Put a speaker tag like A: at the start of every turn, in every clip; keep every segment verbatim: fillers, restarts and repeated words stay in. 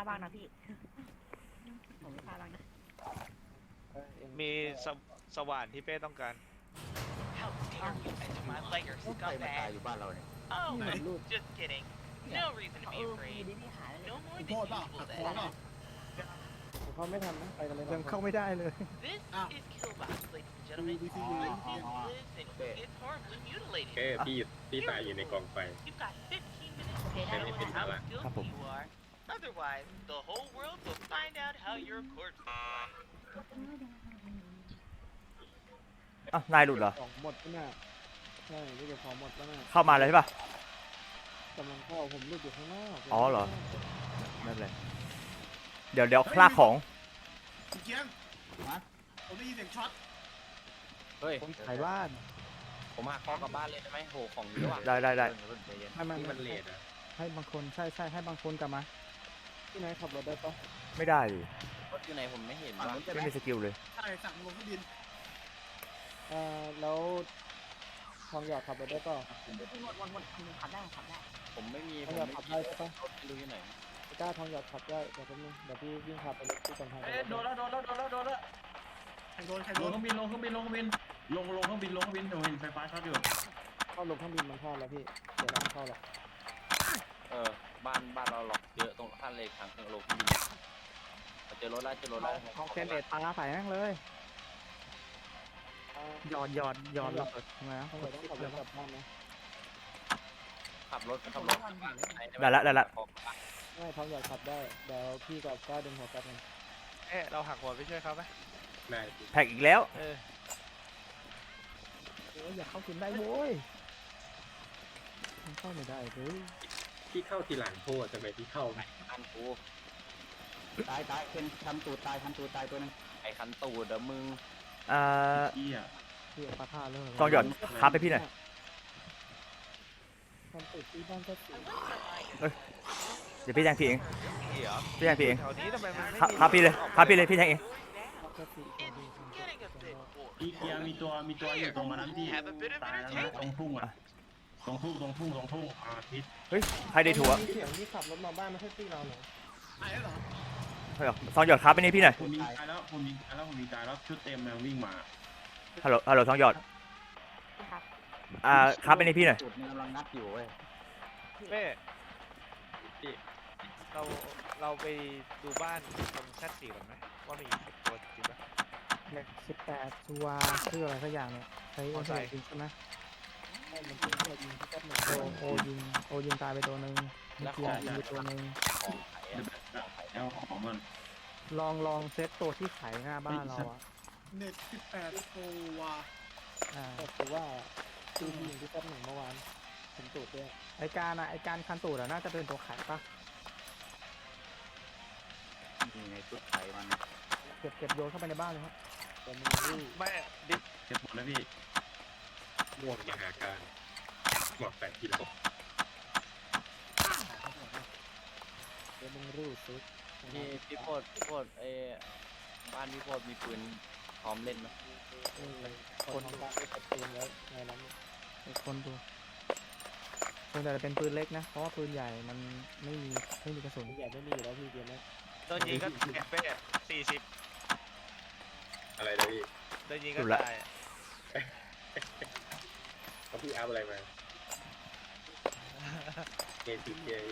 A: บ้างนะพี่ผมไม่ฆ่าบ้างนะ
B: มีสสว่านที่เป้ต้องการ
C: How dare you enter my lair,
D: ใครมาตายอ
C: scumbag!
D: ยู่บ้านเราเนี่ย
C: Oh, just kidding. No reason to
A: เอ
C: be
A: อมี
C: afraid.
A: ดิพี่หายเลย
C: No more
E: โท
C: than
E: ษเปล่า
C: usual
E: หักคอ
C: then.
E: เปล่า
F: เข้าไม่ทันนะไปกันเลย
G: ยังเข้าไม่ได้เลย
C: This
E: Ah.
C: is Killbox, ladies and gentlemen.
E: Who is he?
C: Someone
D: Ah,
C: who
D: ah,
C: lives and who gets horribly
H: เอ้
C: mutilated.
H: พี่พี่ตายอยู่ในกองไฟ
C: You've got fifteen minutes
A: โอเค
C: to
A: ได้
C: show
A: ได้
C: us
A: ได้
C: how
H: ครับ
C: skillful you are. Otherwise, the whole world will find out how your corpse looks like.
G: อ่ะนายหลุดเหรอ
F: ของหมดแล้วน่ะใช่ไม่เก็บของหมดแล้วน่ะ
G: เข้ามาเลยใช่ป่ะ
F: กำลังเข้าผมรูดอยู่ข้างนอก
G: อ๋อเหรอ ไม่เป็นไรเดี๋ยวเดี๋ยวคลากของ
E: คุณเกียง
D: ฮะ
E: ผมได้ยินเสียงช็อต
D: เฮ้ย
F: ผมขายบ้าน
D: ผมหาข้อกลับบ้านเลยได้ไหมโหของเยอะว่ะ
G: ได้ได้ได้
D: เพิ่งใจเย็น
F: ให้มัน
H: ที่มันเลดอ่ะ
G: ให้บางคนใช่ใช่ให้บางคนกลับมา
F: ที่ไหนขับรถได้ปะ
G: ไม่ได้ดิ
D: รถอยู่ไหนผมไม่เห็น
E: ฝั่ง
D: ว่ะ
E: นู้นใช่ไหม
G: ไม่มีสกิลเลย
E: ใช่สั่งลงเครื่องบิน
F: เอ่อแล้วทองหยอดขับรถได้ปะ
A: พี่หมดหมดหมดขับได้ขับได้
D: ผมไม่มี
F: ท
D: ผ
F: อง
D: ม
F: หยอด
D: ไม่
F: ขับ
D: มี
F: ได้ใช่ปะ
D: รถไม่รู้อยู่ไหน
F: กล้าทองหยอดขับได้เดี๋ยวแป๊บนึงเดี๋ยวพี่วิ่งขับไปรถที่กำแพง
I: เอ้ยโดนแล้วโดนแล้วโดนแล้วโดนแล้ว
E: ใครโดนใคร
I: ล
E: โด
I: ง
E: น
I: เครื่องบินลงเครื่องบินลงเครื่องบินลงลงเครื่องบินลงเครื่องบินโดนไฟฟ้าช็อตอยู่
F: เข้าลงเครื่องบินมันเข้าแล้วพี่เดี๋ยวเราไม่เข้าหรอก
D: เออบ้านบ้านเราหลอกเยอะตรงท่านเลยทางเครื่องลงเครื่องบินเจอรถแล้วเจอรถแล้ว
G: เอาเซนเดตปลาใส่แม่งเลย
F: อ่า
G: หยอดหยอดหยอดระเบิดทำไมนะ
F: ทองหยอดต้องขับรถกลับบ้านนะ
D: ขับรถขับรถ
G: ได้ละได้ละ
F: ไม่ทองหยอดขับได้เดี๋ยวพี่กับกล้าดึงหัวกลับมัน
B: เอ๊ะเราหักหัวไปช่วยเขาไหม
H: ได้
G: แพ็กอีกแล้ว
B: เออ
G: โอ้ยอยากเข้ากินได้โว้ยมันเข้าไม่ได้เลย
H: พี่เข้าทีหลังโทษทำไมพี่เข้าไม่
D: คันตู
F: ตายตายเป็นทำตูดตายทำตูดตายตัวนึง
D: ไอ้คันตูเดี๋ยวมึง
G: อ่า
I: เอี้ย
F: พี่เอาปลาท่าเลย
G: ทองหยอดคับไปพี่หน่อย
F: ทำตูดที่บ้านก็สี
G: เดี๋ยวพี่แทงพี่เอง
B: นี่เหรอ
G: พี่แทงพี่เอง
B: แถวนี้ทำไมมันไม่
G: คับ
B: มี
G: คับพี่เลยคับพี่เลยพี่แทงเอง
F: ก็สี
C: It's getting a bit boring.
I: อีเกียมีตัวมีตัวอยู่ตรงนั้นที่ตายแล้วนะตรงทุ่งอ่ะตรงทุ่งตรงทุ่งตรงทุ่งอาทิตย์
G: เฮ้ยใครได้ถั่ว
F: มีเสียงที่ขับรถมาบ้านไม่ใช่ตีเราเหรอ
E: ตายแล้วเหรอ
G: เฮ้ยทองหยอดคับไปนี่พี่หน่อย
I: ผมยิงตายแล้วผมยิงตายแล้วผมยิงตายแล้วชุดเต็มแล้ววิ่งมา
G: ฮัลโหลฮัลโหลทองหยอด
A: พี่ครับ
G: อ่าคับไปนี่พี่หน่อย
D: จุดมันกำลังงัดอยู่เว้ย
B: เป้เราเราไปดูบ้านตรงแซดสี่ก่อนไหมว่ามีตัวจริงปะ
G: เล็กสิบแปดตัวชื่ออะไรสักอย่างเนี่ยใช้
B: มอไซค์
G: จริงใช่ไหม
F: ให้มันเป็นตัวยิงที่ก็เหมือน
G: โอ
F: โดน
G: โอยิงโอยิงตายไปตัวหนึ่งมีเกียร์ยิงไปตัวหนึ่ง
D: ของไข่อะของไข่
I: แล้วของมัน
G: ลองลองเซตตัวที่ขายหน้าบ้านเราอ่ะ
E: เน็ตสิบแปดโตัว
G: อ่า
F: แต่คือว่าคือยิงที่ก็เหมือนเมื่อวานทำตูดด้วย
G: ไอการอะไอการคันตูดอะน่าจะเป็นตัวขายปะ
D: มีในชุดไข่มัน
G: เก็บเก็บโยนเข้าไปในบ้านเลยครับ
F: แต่มึงรู้
B: ไม่ดิฟ
I: เจ็บหมดแล้วพี่
H: ม่วงมหาการบอกแปดกิโล
F: แต่มึงรู้สึก
D: พี่พี่โพดพี่โพดเอบ้านพี่โพดมีปืนพร้อมเล่นไหม
F: คนของบ้านไม่ชัดเจนแล้วในนั้น
G: ไอคนดูส่วนใหญ่จะเป็นปืนเล็กนะ เพราะว่าปืนใหญ่มันไม่มีไม่มีกระสุน
F: ใหญ่ไม่มีอยู่แล้วพี่เกมนี้
B: โดนยิงก็เป้สี่สิบ
H: อะไรนะพี่
B: โดนยิงก็ตาย
H: เขาพี่อัพอะไรมาเกมติดเกม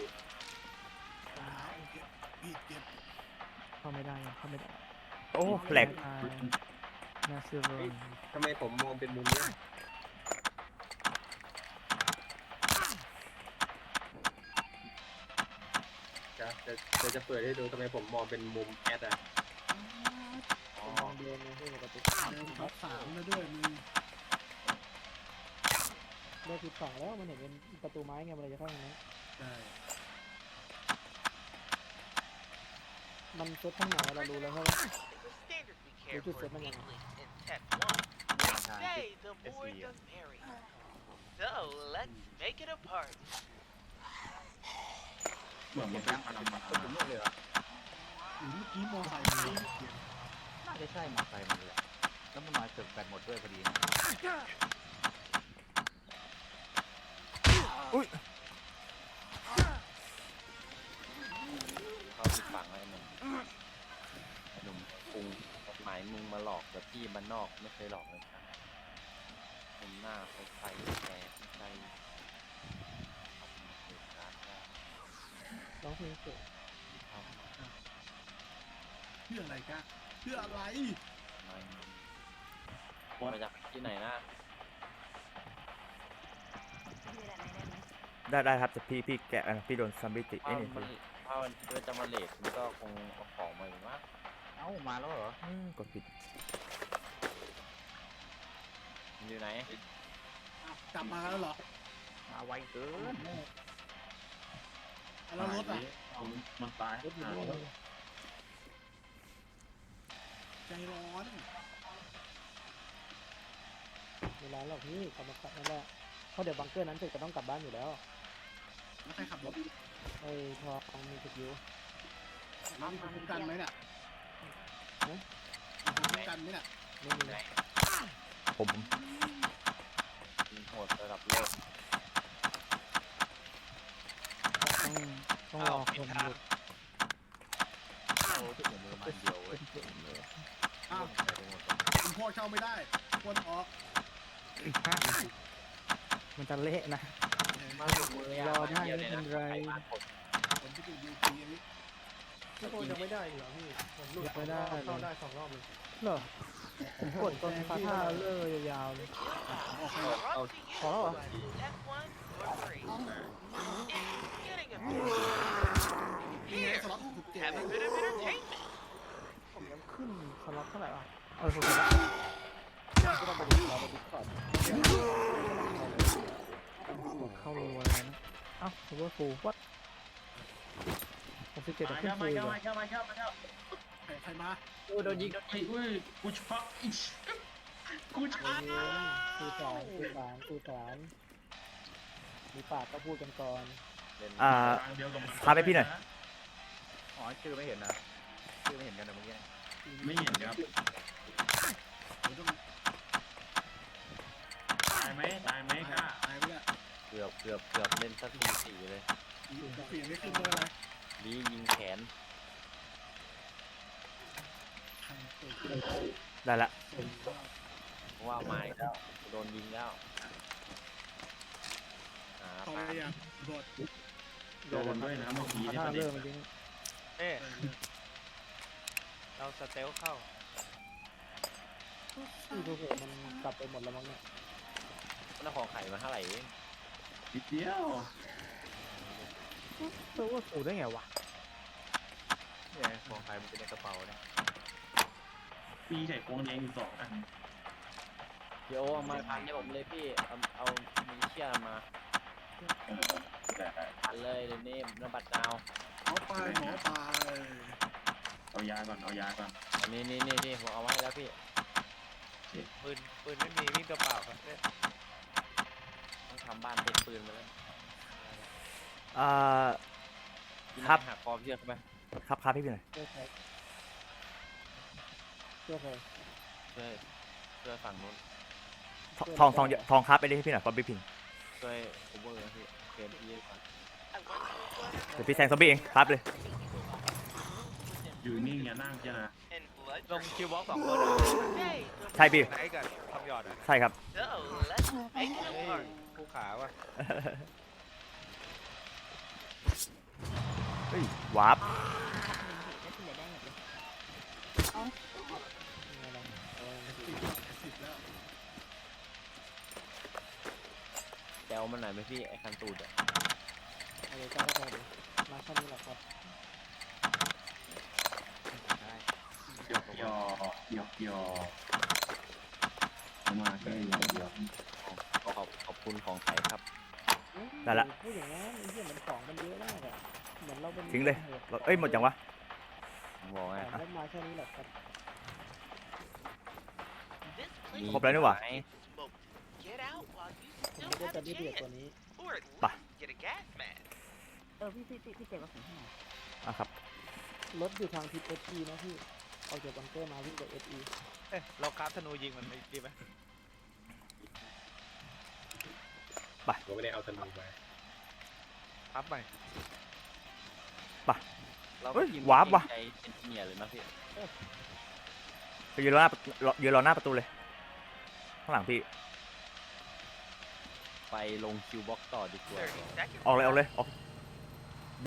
E: ผิดเก็บ
G: เข้าไม่ได้ยังเข้าไม่ได้ โอ้แหลกน่าเชื่อเลย
H: ทำไมผมมองเป็นมุมเนี้ยจะจะจะจะเปิดให้ดูทำไมผมมองเป็นมุมแอดอ่ะ
F: มองเดียวนะพี่ปกติ
E: เดินท็อปสามแล้วด้วยมึง
F: เลือกผิดฝั่งแล้วมันเห็นเป็นประตูไม้ไงมันเลยจะเข้าอย่างนี้
E: ใช่
F: มันเซตข้างไหนเรารู้แล้วใช่ไหม
C: It's a standard we care for weaklings in Tech One. Today, the boys are merry. So let's make it a party.
I: เหมือนมันเป็นพลังมา
D: ก็ถึงเลยเหรอ
E: หรือเมื่อกี้มอไซค์มาเกียง
D: น่าจะใช่มอไซค์มันเลยแล้วมันมาเกิดแบตหมดด้วยพอดีนะ
G: อุ้ย
D: เขาเขาผิดฝังไอ้หนุ่มไอ้หนุ่มกรุงกฎหมายมึงมาหลอกแต่พี่มันนอกไม่เคยหลอกเลยครับผมหน้าใสใสแต่ใส
F: ร้องเพลงเก่ง
E: เพื่ออะไรกันเพื่ออะไร
D: มาจากที่ไหนนะ
A: พี่ได้ไหมได้ไหม
J: ได้ได้ครับแต่พี่พี่แกะพี่โดนซัมบิติ
D: ถ้า
J: เอ้ย
D: มันถ้ามันคิดว่าจะมาเลทมันก็คงเอาของมาอยู่มั้ง
B: เอ้ามาแล้วเหรอ
J: อืมกดผิด
D: มันอยู่ไหน
E: อ้าวกลับมาแล้วเหรอ
B: มาไวเกิน
E: แล้วรถอ่ะ
I: มันตาย
F: รถอยู่นี่
E: ใจร้อน
F: เวลาเราพี่กลับมาขับนั่นแหละเพราะเดี๋ยวบังเกอร์นั้นเสร็จก็ต้องกลับบ้านอยู่แล้ว
E: แล้วใครขับรถ
F: ไอ้ทองมีสกิล
E: แล้วมีคนคุ้มกันไหมเนี่ย
F: ฮะ
E: มีคนคุ้มกันไหมเนี่ย
F: ไม่มี
D: ไหน
J: ผม
D: ยิงโหดระดับโลก
F: ต้องต้องรอคนหยุด
D: โอ้ที่ผมมือมันเดียวเว้ย
E: อ้าวคุณพ่อเช่าไม่ได้ควรออก
G: มันจะเละนะ
D: มาถูกมือ
G: รอได้ไม่เป็นไร
E: ผมที่ดูยูทีอันนี้
F: พี่โคจะไม่ได้เหรอพี่ผมหลุด
G: ไม่ได้
F: เข้าได้สองรอบเลย
G: เหรอผมกดตอนฟาท่าเลื่อยยาวๆเลย
E: ออกไป
C: We're
E: แล้ว
C: up to you.
G: พอแล้วเหรอ
C: F one or three. It's getting a
E: นี่ไง
C: Here,
E: สล็อตถูกเจ็บ
C: have a bit of entertainment.
G: ผมยังขึ้นสล็อตเท่าไหร่วะเออผมจะ
F: ก็ต้องไปดูเราไปดิสคอร์ด
G: เข้ารัวเลยนะเอ้าผมว่าฟูวัดผมสิบเจ็ด
I: มา
G: ขึ้น
I: เข้า
G: ฟู
I: มา
G: เล
I: เข้าย มาเข้ามาเข้ามาเข้า
E: ใครใครมา
D: โอ้โดนยิงโดน
I: ไอ้อุ้ยกูช็อกอีกกูช็อก
F: คือสารคือสารคือสารมีปากก็พูดกันก่อน
J: อ่า
I: เดียวกับมัน
J: พาไปพี่หน่อย
B: อ๋อชื่อไม่เห็นนะชื่อไม่เห็นกันนะเมื่อกี้
I: ไม่เห็นครับ
E: เดี๋ยวต้อง
I: ตายไหมตายไหมกล้า
E: ตายไปแล้ว
D: เกือบเกือบเกือบเล่นสักทีสี่เลย
E: เปลี่ยนไม่ขึ้นเลยอะไร
D: ลียิงแขน
E: ทางเปิด
J: ได้ละ
D: เพราะว่าไม้แล้วโดนยิงแล้วหา
E: ต่อ
D: ปา
E: ไปอ่ะโดด
I: โดนด้วยนะเมื่อกี้
G: ฟา
I: นี่
G: ท่า
I: ประเด็
G: เลื่
I: น
G: อยเมื่อกี้
B: เอ๊ะเราสเตลเข้า
F: ที่ดูเหตุมันกลับไปหมดแล้วมั้งเนี่ย
D: มันเอาของไข่มาเท่าไหร่เอง
I: นิดเดียว
G: เออว่าฟูได้ไงวะ
B: เนี่ยของใครมันเป็นในกระเป๋าเนี่ย
I: ปีใส่โค้งแดงอยู่สองอัน
D: เดี๋ยวเอามาพันให้ผมเลยพี่เอาเอามิลิเชียมาพันเลยเดี๋ยวนี้นบัตรดาว
E: หมอไปหมอไป
I: เอายาก่อนเอายาก่อน
D: อันนี้นี่นี่นี่ผมเอาไว้ให้แล้วพี่
B: ปืนปืนไม่มีวิ่งกระเป๋าครับเนี่ย
D: ต้องทำบ้านเป็นปืนมาแล้ว
J: อ่า
D: กิน
J: ครับ
D: หักคอเชือกเข้าไป
J: ครับครับพี่พี่หน่อย
F: เชื่อใครเชื่อใคร
D: ช่วยช่วยฝั่งนู้น
J: ทองทองทองครับไปได้ให้พี่หน่อยป๊อบบี้พิง
D: ช่วยโอเวอร์นะพี่เคลียร์พี่ก่อน
C: I went to a
J: เดี๋ยวพี่แซงซอมบี้เองครับเลย
I: อยู่นิ่งอย่านั่งเจ้านะ
C: and blood.
B: ลงคิวบล็อกสองคนอะ
C: Hey,
J: ใช่พี่
B: ไหนกันทำหยอดอ่ะ
J: ใช่ครับ
C: so let's make it
B: เฮ้ย
C: apart.
B: ผู้ขาว่ะ
J: เฮ้ย วาร์ป
A: แล้วที่เหลือได้หมดเลย
F: มีอะไรเอา
E: สิบสิบแล้ว
D: แซวมันหน่อยไหมพี่ไอ้คันตูดอ่ะ
F: เอาเลยจ้าก็พอดีมาแค่นี้แหละครับ
I: หยอกหยอกหยอกหยอกเอามาแค่หยอกหยอก
D: ขอขอบขอบคุณของไทยครับ
J: ได้ละ
F: พูดอย่างนั้นไอ้เหี้ยมันของมันเยอะมากอะเหมือนเราเป็น
J: ทิ้งเลยเอ้ยหมดยังวะ
D: ผมบอกไง
F: แต่ได้มาแค่นี้แหละครับ
C: This
D: มี
C: place
J: ครบแล้วนี่หว่า
C: is smoked. Get out while you
F: ผม
C: still
F: ไม่ได้
C: have
F: จะ
C: a
F: ได้เดือดกว่า
C: chance,
F: นี้
C: or at
J: Bah.
C: least get a gas mask.
A: เออพี่พี่พี่พี่เจ็บกระสุนให้หน่อย
J: อ่ะครับ
F: รถอยู่ทางทิศเอสีนะพี่เอาจากบังเกอร์มาวิ่งไปเอสี
B: เอ๊ะเราคราฟธนูยิงมันไม่ดีไหม
H: ผมไม่ได้เอาธนูไป
B: คราฟใหม่
J: ไป
D: เรา
J: เฮ้ย
D: ทีม
J: วาร์ปว่ะ
D: ใจเอนจิเนียร์เลยนะพี่
J: ไปยืนรอหน้าประตูรอยืนรอหน้าประตูเลย ข้างหลังพี่
D: ไปลงคิวบ็อกต่อดีกว่า
C: thirty seconds.
J: ออกเลยออกเลยออก
C: left.